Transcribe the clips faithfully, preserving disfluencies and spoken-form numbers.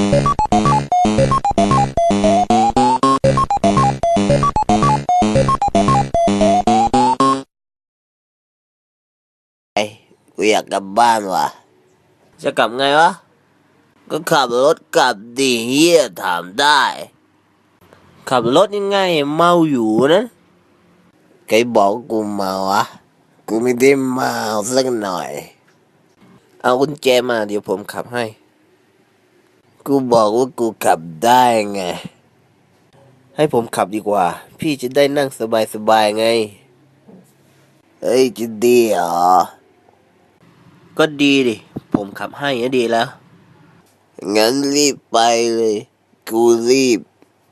กูอยากกลับบ้านว่ะจะกลับไงวะก็ขับรถกลับดิเฮียถามได้ขับรถยังไงเมาอยู่นะใครบอกกูเมาวะกูไม่ได้เมาสักหน่อยเอากุญแจมาเดี๋ยวผมขับให้กูบอกว่ากูขับได้ไงให้ผมขับดีกว่าพี่จะได้นั่งสบายๆไงเฮ้ยจะดีเหรอก็ดีดิผมขับให้ก็ดีแล้วงั้นรีบไปเลยกูรีบ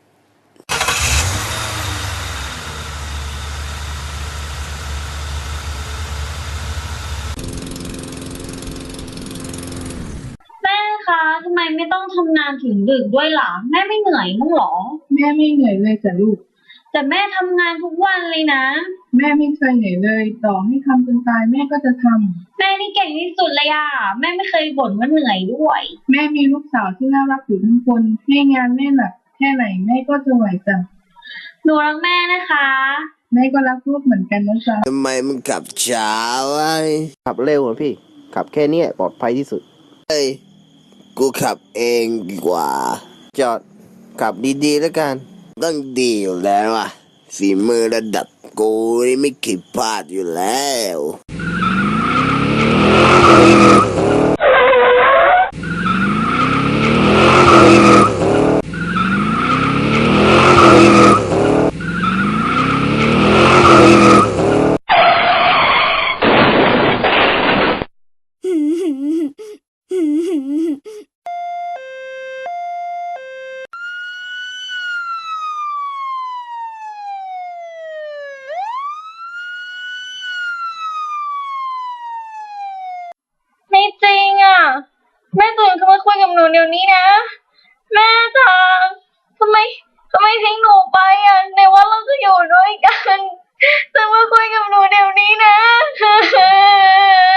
แม่คะทำไมไม่ต้องทำงานถึงดึกด้วยล่ะแม่ไม่เหนื่อยมั้างหรอแม่ไม่เหนื่อยเลยจ้ะลูกแต่แม่ทำงานทุกวันเลยนะแม่ไม่เคยเหนื่อยเลยต่อให้ทำจนตายแม่ก็จะทำแม่นี่เก่งที่สุดเลยอ่ะแม่ไม่เคยบ่นว่าเหนื่อยด้วยำแม่มีลูกสาวที่น่ารักอยู่ทั้งคนให้งานแม่หนักแค่ไหนแม่ก็จะไหวจ้ะหนูรักแม่นะคะแม่ก็รักลูกเหมือนกันนะจ๊ะทำไมมึงขับช้าวะขับเร็วอะพี่ขับแค่นี้ปลอดภัยที่สุดเฮ้ยกูขับเองดีกว่าจอดขับดีๆแล้วกันต้องดีอยู่แล้วอ่ะฝีมือระดับกูนี่ไม่คิดพลาดอยู่แล้วไม่จริงอ่ะแม่ตื่นขึ้นมาคุยกับหนูเดี๋ยวนี้นะแม่จ๋าทำไมทำไมทิ้งหนูไปอ่ะในว่าเราจะอยู่ด้วยกันตื่นมาคุยกับหนูเดี๋ยวนี้นะ